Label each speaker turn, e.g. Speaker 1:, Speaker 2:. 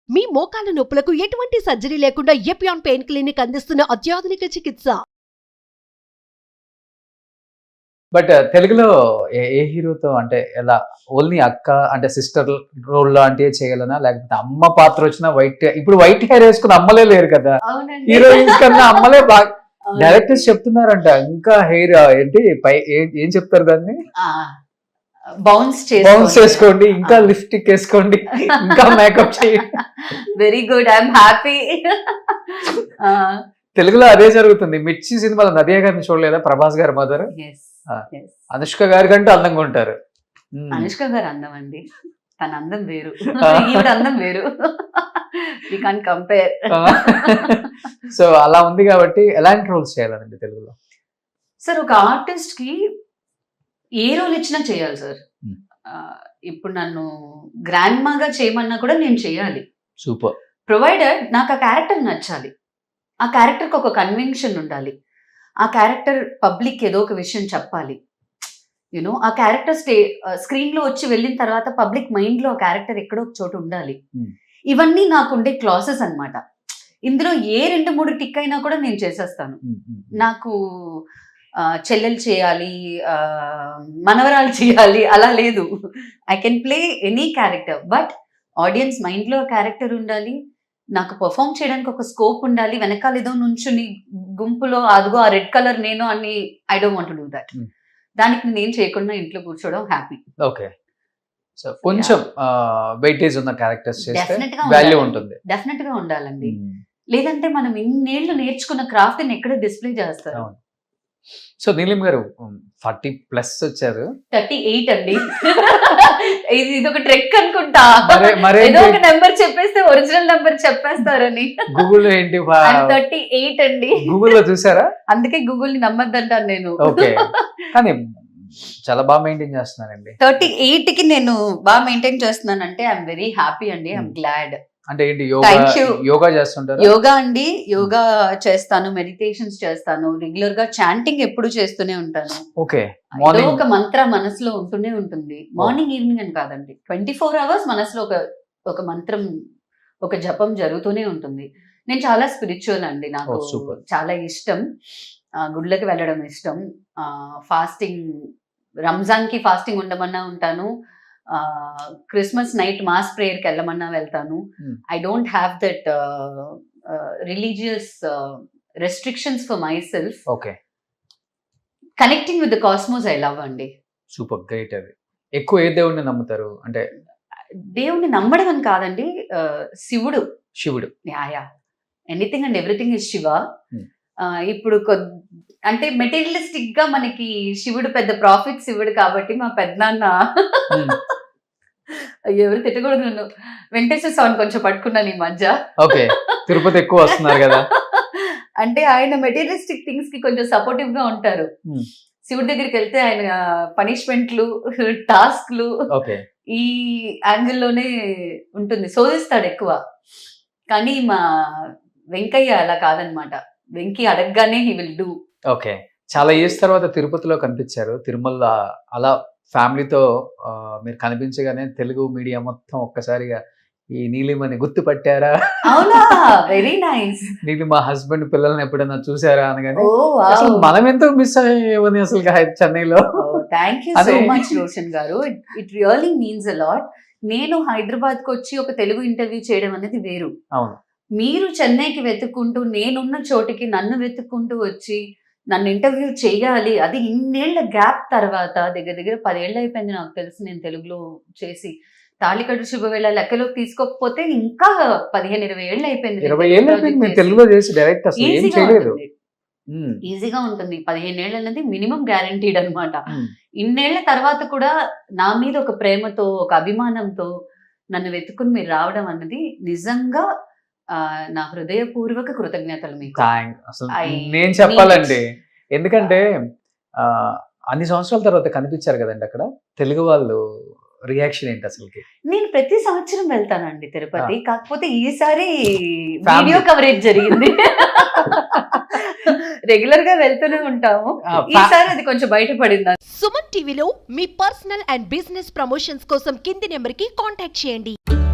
Speaker 1: మీ మోకాల నొప్పులకు ఎటువంటి సర్జరీ లేకుండా ఎపియాన్ పెయిన్ క్లినిక్ అందిస్తున్న అత్యాధునిక చికిత్స.
Speaker 2: బట్ తెలుగులో ఏ హీరోతో అంటే ఎలా ఓన్లీ అక్క అంటే సిస్టర్ రోల్ లాంటివి చేయగలనా, లేకపోతే అమ్మ పాత్ర వచ్చిన ఇప్పుడు వైట్ హెయిర్ వేసుకుని అమ్మలే లేరు కదా, హీరోయిన్స్ కన్నా అమ్మలే బాగా. డైరెక్టర్స్ చెప్తున్నారంట ఇంకా హెయిర్ ఏంటి పై ఏం చెప్తారు దాన్ని,
Speaker 3: బౌన్స్
Speaker 2: చేసుకోండి, ఇంకా లిప్స్టిక్ వేసుకోండి, ఇంకా మేకప్ చేయండి.
Speaker 3: Very good, I'm happy.
Speaker 2: తెలుగులో అదే జరుగుతుంది. మిర్చి సినిమాలో నదియా గారిని చూడలేదా, ప్రభాస్ గారి మదర్. అనుష్క గారి కంటే అందంగా ఉంటారు.
Speaker 3: అనుష్క గారు అందం అండి, తన అందం వేరు, ఈవిడ అందం వేరు. We can't compare.
Speaker 2: సో అలా ఉంది కాబట్టి ఎలాంటి రోల్స్ చేయాలండి తెలుగులో?
Speaker 3: సార్ ఒక ఆర్టిస్ట్ కి ఏ రోల్ ఇచ్చినా చేయాలి సార్. ఇప్పుడు నన్ను గ్రాండ్ మాగా చేయమన్నా కూడా నేను చేయాలి.
Speaker 2: సూపర్.
Speaker 3: ప్రొవైడెడ్ నాకు ఆ క్యారెక్టర్ నచ్చాలి, ఆ క్యారెక్టర్కి ఒక కన్విక్షన్ ఉండాలి, ఆ క్యారెక్టర్ పబ్లిక్ ఏదో ఒక విషయం చెప్పాలి. యూనో ఆ క్యారెక్టర్ స్క్రీన్ లో వచ్చి వెళ్ళిన తర్వాత పబ్లిక్ మైండ్ లో ఆ క్యారెక్టర్ ఎక్కడో ఒక చోటు ఉండాలి. ఇవన్నీ నాకు ఉండే క్లాసెస్ అన్నమాట. ఇందులో ఏ 2-3 టిక్ అయినా కూడా నేను చేసేస్తాను. నాకు చెల్లెలు చేయాలి, మనవరాలు చేయాలి అలా లేదు. I can play any character, but audience mind లో క్యారెక్టర్ ఉండాలి, నాకు పర్ఫామ్ చేయడానికి ఒక స్కోప్ ఉండాలి. వెనకాల ఏదో నుంచుని గుంపులో అదిగో ఆ రెడ్ కలర్ నేను అని I don't want to do that. దానికి నేను చేయకుండా ఇంట్లో కూర్చోవడం హ్యాపీ.
Speaker 2: ఓకే, సో కొంచెం వెయిటేజ్ ఉన్న క్యారెక్టర్స్ చేస్తే వాల్యూ ఉంటుంది.
Speaker 3: డెఫినెట్ గా ఉండాలండి, లేదంటే మనం ఇన్నేళ్లు నేర్చుకున్న క్రాఫ్ట్ ని ఎక్కడ డిస్ప్లే చేస్తారు.
Speaker 2: సో నీలిం గారు 40+ వచ్చారు.
Speaker 3: 38 అండి. ఇది ఒక ట్రెక్ అనుకుంటా, ఏదో ఒక నెంబర్ చెప్పేస్తే ఒరిజినల్ నెంబర్ చెప్పేస్తారని.
Speaker 2: గూగుల్ ఏంటి
Speaker 3: 38 అండి,
Speaker 2: గూగుల్లో చూసారా?
Speaker 3: అందుకే గూగుల్ ని నమ్మద్దంటాను నేను.
Speaker 2: ఓకే, కానీ చాలా బాగా మెయింటైన్ చేస్తున్నారండి.
Speaker 3: 38 కి నేను బాగా మెయింటైన్ చేస్తున్నానంటే ఐఎమ్ వెరీ హ్యాపీ అండి, ఐఎమ్ గ్లాడ్.
Speaker 2: అంటే ఏంటి, యోగా చేస్తుంటారు?
Speaker 3: యోగా అండి, యోగా చేస్తాను, మెడిటేషన్స్ చేస్తాను, రెగ్యులర్ గా చాంటింగ్ ఎప్పుడు చేస్తూనే ఉంటాను.
Speaker 2: ఓకే,
Speaker 3: ఒక మంత్ర మనసులో ఉంటూనే ఉంటుంది. మార్నింగ్ ఈవినింగ్ అని కాదండి, 24 hours మనసులో ఒక మంత్రం, ఒక జపం జరుగుతూనే ఉంటుంది. నేను చాలా స్పిరిచువల్ అండి, నాకు చాలా ఇష్టం, గుడ్లకి వెళ్ళడం ఇష్టం, ఫాస్టింగ్, రంజాన్ కి ఫాస్టింగ్ ఉండమన్నా ఉంటాను, క్రిస్మస్ నైట్ మాస్ ప్రేయర్కి వెళ్ళమన్నా వెళ్తాను. I don't have that religious restrictions for myself.
Speaker 2: Okay,
Speaker 3: connecting with the cosmos I love అండి.
Speaker 2: Super, great. అది ఎక్కువ ఏ దేవుడిని నమ్ముతారు? అంటే
Speaker 3: దేవుడిని నమ్మడం అని కాదండి, శివుడు.
Speaker 2: Yeah,
Speaker 3: anything and everything is Shiva. ఇప్పుడు అంటే మెటీరియలిస్టిక్ గా మనకి శివుడు పెద్ద ప్రాఫిట్ శివుడు కాబట్టి మా పెద్దనాన్న ఎవరు తిట్టకూడదు నన్ను, వెంకటేశ్వర స్వామిని కొంచెం పట్టుకున్నాను ఈ మధ్య.
Speaker 2: ఓకే, తిరుపతి ఎక్కువ వస్తున్నారు కదా.
Speaker 3: అంటే ఆయన మెటీరియలిస్టిక్ థింగ్స్ కి కొంచెం సపోర్టివ్ గా ఉంటారు. శివుడి దగ్గరికి వెళ్తే ఆయన పనిష్మెంట్లు, టాస్క్లు ఈ యాంగిల్లోనే ఉంటుంది, శోధిస్తాడు ఎక్కువ. కానీ మా వెంకయ్య అలా కాదనమాట, వెంకీ అడగగానే హీ విల్ డూ.
Speaker 2: ఓకే, చాలా ఇయర్స్ తర్వాత తిరుపతిలో కనిపించారు, తిరుమల అలా ఫ్యామిలీతో మీరు కనిపించగానే తెలుగు మీడియా మొత్తం ఒక్కసారిగా ఈ నీలిమని గుర్తుపట్టారా?
Speaker 3: అవునా, వెరీ నైస్.
Speaker 2: నీలిమ హస్బెండ్ పిల్లల్ని ఎప్పుడైనా చూసారా అనగానే అసలు మనం ఎంతో మిస్ అయ్యేవని అసలు చెన్నైలో.
Speaker 3: Thank you so much Roshan గారు, it really means a lot. నేను హైదరాబాద్ కు వచ్చి ఒక తెలుగు ఇంటర్వ్యూ చేయడం అనేది వేరు.
Speaker 2: అవును,
Speaker 3: మీరు చెన్నైకి వెతుక్కుంటూ, నేనున్న చోటికి నన్ను వెతుక్కుంటూ వచ్చి నన్ను ఇంటర్వ్యూ చేయాలి, అది ఇన్నేళ్ల గ్యాప్ తర్వాత, దగ్గర 10 ఏళ్ళు అయిపోయింది నాకు తెలిసి నేను తెలుగులో చేసి. తాళికట్టు శుభవేళ లెక్కలోకి తీసుకోకపోతే ఇంకా 15-20 ఏళ్ళు అయిపోయింది. ఈజీగా ఉంటుంది. 15 ఏళ్ళు అనేది మినిమం గ్యారంటీడ్ అనమాట. ఇన్నేళ్ల తర్వాత కూడా నా మీద ఒక ప్రేమతో, ఒక అభిమానంతో నన్ను వెతుకుని మీరు రావడం అన్నది నిజంగా నా హృదయపూర్వక కృతజ్ఞతలు మీకు.
Speaker 2: నేను చెప్పాలండి, ఎందుకంటే అన్ని సంవత్సరాల తర్వాత కనిపించారు కదండి అక్కడ. తెలుగు వాళ్ళు రియాక్షన్ ఏంటి అసలుకి?
Speaker 3: నేను ప్రతి సంవత్సరం వెళ్తానండి తిరుపతి, కాకపోతే ఈసారి వీడియో కవరేజ్ జరిగింది. రెగ్యులర్ గా వెళ్తూనే ఉంటాము, ఈసారి అది కొంచెం బయటపడింది.
Speaker 1: సుమన్ టీవీలో మీ పర్సనల్ అండ్ బిజినెస్ ప్రమోషన్స్ కోసం కింది నెంబర్ కి కాంటాక్ట్ చేయండి.